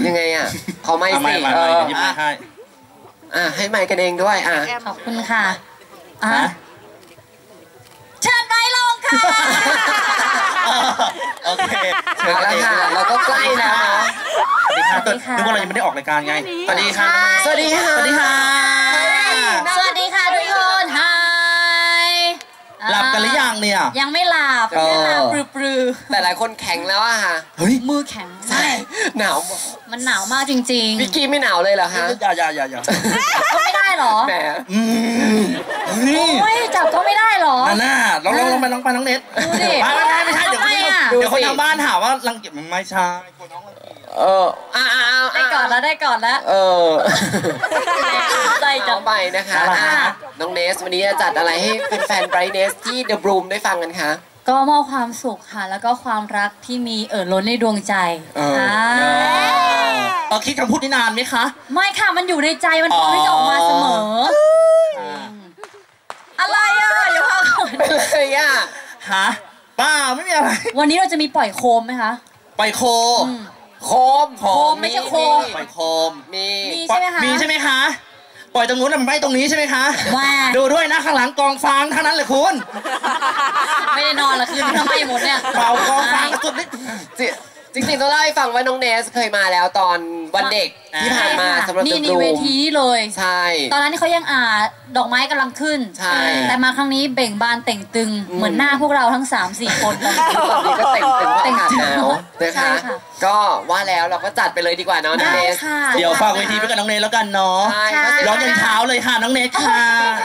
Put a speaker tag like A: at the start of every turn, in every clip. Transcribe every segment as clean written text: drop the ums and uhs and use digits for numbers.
A: ยังไงอ่ะขอไมค์สิ
B: หยิบไมค์ให้
A: ให้ไมค์กันเองด้วย
C: ขอบคุณค่ะเชิญไมค์ลงค่ะ
B: โอเค
A: เชิญแล้วค่ะเราก็ใกล้แล้วเนาะ
B: สวัสดีค่ะนึกว่าเรายังไม่ได้ออกรายการไงสวัสดีค่ะ
A: สวัสดีค่ะ
B: สวัสดีค่ะ
C: สวัสดีค่ะทุกคนไฮ
B: หลับกันหรือยังเนี่ย
C: ยังไม่หลับปลือ
A: แต่หลายคนแข็งแล้วอะค่ะ
B: เฮ้ย
C: มือแข็ง
A: ใช่หนาว
C: มันหนาวมากจริง
A: ๆพี่กี้ไม่หนาวเลยเหรอฮะ
B: อย่า
C: ก็ไม่ได้หรอ
A: แหม
C: โอ้ยจับก็ไม่ได้หรอ
B: น่าลองไปน้องเน็ต
C: ดูดิ
B: ไม่ใช่เดี๋ยวคนทางบ้านถามว่ารังเกียจมันไม่ใช่คนน้องรังเกียจ
C: ได้ก่อนแล้วใจจัง
A: ไปนะคะน้องเนสวันนี้จะจัดอะไรให้แฟนๆไบรท์เนสที่เดอะบลูมได้ฟังกันคะ
C: ก็มอบความสุขค่ะแล้วก็ความรักที่มีล้นในดวงใจ
B: คิดคำพูดนี้นานไหมคะ
C: ไม่ค่ะมันอยู่ในใจมันพร้อมที่จะออกมาเสมออะไรอ่ะอย่าพา
A: เป็นเลยอ่ะ
B: ฮะป้าไม่มีอะไร
C: วันนี้เราจะมีปล่อยโคมไหมคะ
B: ปล่อยโคม
C: ไม่ใช่โคม
B: ปล่อยโคม
C: มีใช่ไหมคะ
B: มีใช่ไหมคะปล่อยตรงนู้นมันไม่ตรงนี้ใช่ไหมคะดูด้วยนะข้างหลังกองฟางทั้งนั้นเลยคุณ
C: ไม่ได้นอนละคืนทำไมหมดเนี่ย
B: เป่ากองฟางสุด
A: จริงๆต้องเล่าให้ฟังว่าน้องเนสเคยมาแล้วตอนวันเด็กที่ผ่านมาสำหรับ
C: นี่เวทีนี้เลย
A: ใช่
C: ตอนนั้นเขายังดอกไม้กำลังขึ้น
A: ใช่
C: แต่มาครั้งนี้เบ่งบานเต่งตึงเหมือนหน้าพวกเราทั้ง 3-4 คนตอน
A: นี้ก็เต่งตึงเพราะอากาศหนาวนะคะก็ว่าแล้วเราก็จัดไปเลยดีกว่าน้องเนส
B: เดี๋ยวฝากเวทีไปกับน้องเนสแล้วกันเนาะร้องยันเช้าเลยค่ะน้องเนสค่ะ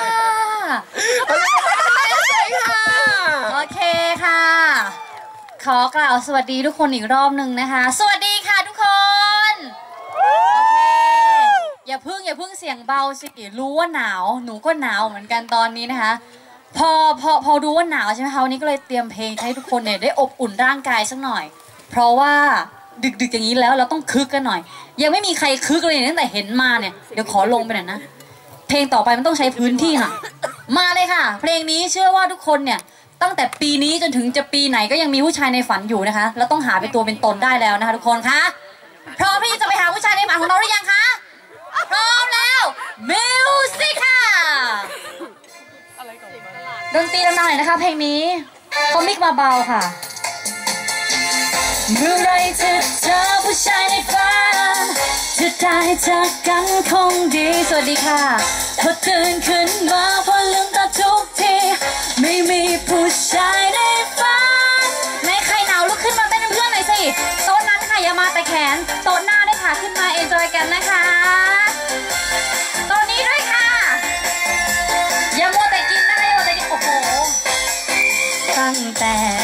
C: โอเคค่ะขอกล่าวสวัสดีทุกคนอีกรอบหนึ่งนะคะสวัสดีค่ะทุกคนโอเคอย่าเพิ่งเสียงเบาสิรู้ว่าหนาวหนูก็หนาวเหมือนกันตอนนี้นะคะพอรู้ว่าหนาวใช่ไหมคะวันนี้ก็เลยเตรียมเพลงให้ทุกคนเนี่ยได้อบอุ่นร่างกายสักหน่อยเพราะว่าดึกอย่างนี้แล้วเราต้องคึกกันหน่อยยังไม่มีใครคึกเลยตั้งแต่เห็นมาเนี่ยเดี๋ยวขอลงไปหน่อยนะเพลงต่อไปมันต้องใช้พื้นที่หน่อยมาเลยค่ะเพลงนี้เชื่อว่าทุกคนเนี่ยตั้งแต่ปีนี้จนถึงจะปีไหนก็ยังมีผู้ชายในฝันอยู่นะคะแล้วต้องหาเป็นตัวเป็นตนได้แล้วนะคะทุกคนคะพร้อมที่จะไปหาผู้ชายในฝันของเราหรือยังคะพร้อมแล้วมิวสิกค่ะดนตรีดังๆหน่อยนะคะเพลงนี้เขามิกมาเบาค่ะเมื่อไรจะเจอผู้ชายในฝันจะได้เจอกันคงดีสวัสดีค่ะพอตื่นขึ้นมาพอลืมตาทุกทีไม่มีผู้ชายในฝันในใครหนาวลุกขึ้นมาเต้นเป็นเพื่อนหน่อยสิโต๊ะนั้นค่ะอย่ามาแต่แขนโต๊ะหน้าด้วยค่ะขึ้นมาเอนจอยกันนะคะโต๊ะนี้ด้วยค่ะอย่ามัวแต่กินนะคะอย่ามัวแต่กินโอ้โหตั้งแต่